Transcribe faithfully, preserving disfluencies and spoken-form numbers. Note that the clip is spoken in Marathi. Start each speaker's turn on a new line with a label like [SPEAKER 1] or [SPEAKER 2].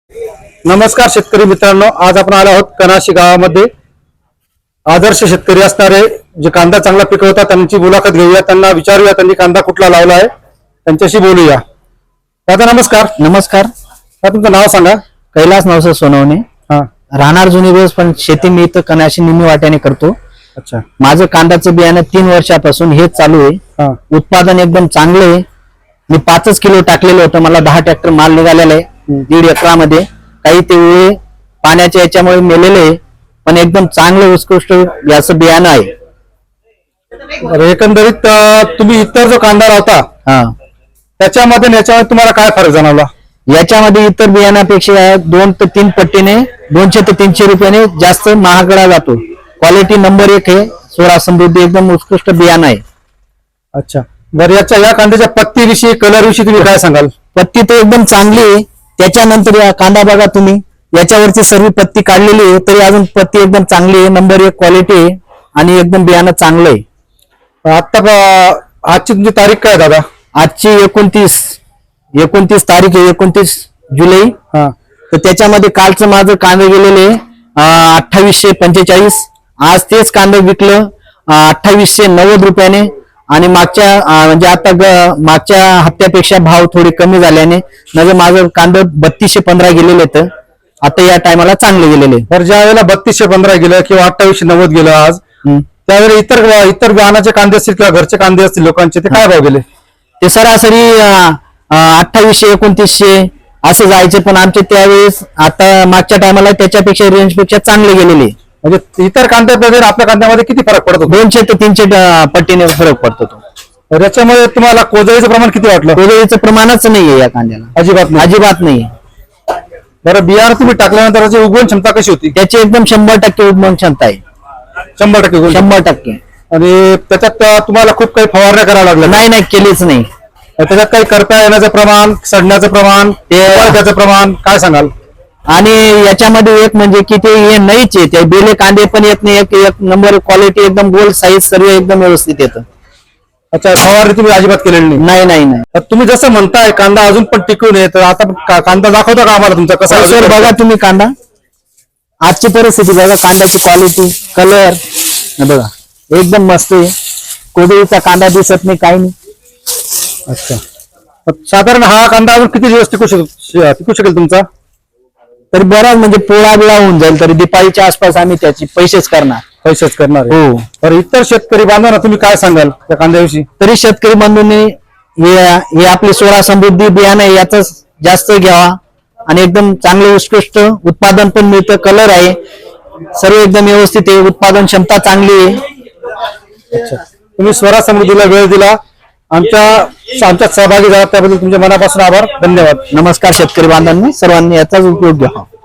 [SPEAKER 1] नमस्कार शेतकरी मित्रांनो, आज आपण आलो आहोत कनाशी गावामध्ये आदर्श शेतकरी असणारे जे कांदा चांगला पिकवतात त्यांची मुलाखत घेऊया, त्यांना विचारूया त्यांनी कांदा कुठला लावला आहे, त्यांच्याशी बोलूया। दादा नमस्कार।
[SPEAKER 2] नमस्कार।
[SPEAKER 1] तुमचं नाव सांगा।
[SPEAKER 2] कैलास नवसे सोनवणे,
[SPEAKER 1] हा,
[SPEAKER 2] राहणार जुनी दिवस, पण शेती मी इथं कनाशी निमी वाट्याने करतो।
[SPEAKER 1] अच्छा,
[SPEAKER 2] माझं कांद्याचं बियाणं तीन वर्षापासून हेच चालू आहे।
[SPEAKER 1] हा,
[SPEAKER 2] उत्पादन एकदम चांगलं आहे। मी पाचच किलो टाकलेलं होतं, मला दहा ट्रॅक्टर माल निघालेला आहे दीड एकरामध्ये। काही ते वेळे पाण्याच्या याच्यामुळे मेलेले आहे, पण एकदम चांगलं उत्कृष्ट याचं बियाणं आहे।
[SPEAKER 1] बरं, एकंदरीत अं, तुम्ही इतर जो कांदा लावता
[SPEAKER 2] हा,
[SPEAKER 1] त्याच्यामध्ये आणि याच्यामध्ये तुम्हाला काय फरक जाणवला?
[SPEAKER 2] याच्यामध्ये इतर बियाणापेक्षा दोन ते तीन पट्टीने दोनशे ते तीनशे रुपयाने जास्त महागडा जातो। क्वालिटी नंबर एक आहे, सोळा समृद्धी एकदम उत्कृष्ट बियाणं आहे।
[SPEAKER 1] अच्छा, बरं, याच्या या कांद्याच्या पत्तीविषयी, कलर विषयी तुम्ही काय सांगाल?
[SPEAKER 2] पत्ती तर एकदम चांगली आहे। त्याच्यानंतर या कांदा बघा तुम्ही, याच्यावरची सर्व पत्ती काढलेली आहे, तरी अजून पत्ती एकदम चांगली आहे, नंबर एक क्वालिटी आहे आणि एकदम बियाणं चांगलं आहे।
[SPEAKER 1] आता आजची तुमची तारीख काय दादा?
[SPEAKER 2] आजची एकोणतीस एकोणतीस तारीख आहे, एकोणतीस जुलै।
[SPEAKER 1] हा,
[SPEAKER 2] तर त्याच्यामध्ये कालचं माझं कांदे गेलेले अठ्ठावीसशे पंचेचाळीस, आज तेच कांदे विकलं अठ्ठावीसशे नव्वद रुपयाने। आणि मागच्या म्हणजे आता मागच्या हप्त्यापेक्षा भाव थोडे कमी झाल्याने म्हणजे माझं कांदे बत्तीसशे पंधरा गेलेले तर आता या टायमाला चांगले गेलेले।
[SPEAKER 1] तर ज्या वेळेला बत्तीसशे पंधरा गेलं किंवा अठ्ठावीसशे नव्वद गेलं आज, त्यावेळेला इतर इतर वाहनाचे कांदे असतील किंवा घरचे कांदे असतील लोकांचे, ते काय भाव गेले?
[SPEAKER 2] ते सरासरी अठ्ठावीसशे एकोणतीसशे असे जायचे, पण आमचे त्यावेळेस आता मागच्या टायमाला त्याच्यापेक्षा रेंजपेक्षा चांगले गेलेले।
[SPEAKER 1] म्हणजे इतर कांद्यामध्ये आपल्या कांद्यामध्ये किती फरक पडतो?
[SPEAKER 2] दोनशे ते तीनशे पट्टीने फरक पडतो तो।
[SPEAKER 1] तर याच्यामध्ये तुम्हाला कोजळीचं प्रमाण किती वाटलं?
[SPEAKER 2] कोजळीचं प्रमाणच नाहीये या कांद्याला,
[SPEAKER 1] अजिबात नाही,
[SPEAKER 2] अजिबात नाही।
[SPEAKER 1] बरं, बियाणं तुम्ही टाकल्यानंतर त्याची उगवण क्षमता कशी होती?
[SPEAKER 2] त्याची एकदम शंभर टक्के उगवण क्षमता आहे,
[SPEAKER 1] शंभर टक्के उगवण
[SPEAKER 2] शंभर टक्के।
[SPEAKER 1] आणि त्याच्यात तुम्हाला खूप काही फवारण्या कराव्या लागल्या?
[SPEAKER 2] नाही नाही, केलीच नाही।
[SPEAKER 1] त्याच्यात काही करता येण्याचं प्रमाण, सडण्याचं प्रमाण, त्याचं प्रमाण काय सांगाल?
[SPEAKER 2] आणि याच्यामध्ये एक म्हणजे की ते हे नाहीच आहे, ते बेले कांदे पण येत नाही, एक एक नंबर क्वालिटी एकदम गोल साईज सर्व एकदम व्यवस्थित येतं।
[SPEAKER 1] अच्छा, फवारणी तुम्ही अजिबात केलेली नाही?
[SPEAKER 2] नाही नाही नाही।
[SPEAKER 1] तर तुम्ही जसं म्हणताय कांदा अजून पण टिकून आहे, तर आता कांदा दाखवता का आम्हाला तुमचा कसा?
[SPEAKER 2] सर बघा तुम्ही कांदा, आजची परिस्थिती बघा, कांद्याची क्वालिटी, कलर बघा एकदम मस्त आहे। कोबीचा कांदा दिसत नाही, काही नाही।
[SPEAKER 1] अच्छा, साधारण हा कांदा अजून किती दिवस टिकू शकेल टिकू शकेल तुमचा?
[SPEAKER 2] तरी बराच म्हणजे पोळा बिळा होऊन जाईल, तरी दिपाळीच्या आसपास आम्ही त्याची पैसेच करणार
[SPEAKER 1] पैसेच करणार आहे।
[SPEAKER 2] हो।
[SPEAKER 1] तर इतर शेतकरी बांधवांना तुम्ही काय सांगाल त्या कांद्याविषयी?
[SPEAKER 2] तरी शेतकरी बंधूंनी हे हे आपली सोळा समृद्धी बियाणं आहे, याच जास्त घ्यावा आणि एकदम चांगलं उत्कृष्ट उत्पादन पण मिळतं, कलर आहे सर्व एकदम व्यवस्थित आहे, उत्पादन क्षमता चांगली आहे।
[SPEAKER 1] अच्छा, तुम्ही स्वरा समृद्धीला वेळ दिला, आमच्या आमच्यात सहभागी झाला त्याबद्दल तुमच्या मनापासून आभार, धन्यवाद।
[SPEAKER 2] नमस्कार शेतकरी बांधवांनी, सर्वांनी याचाच उपयोग घ्यावा।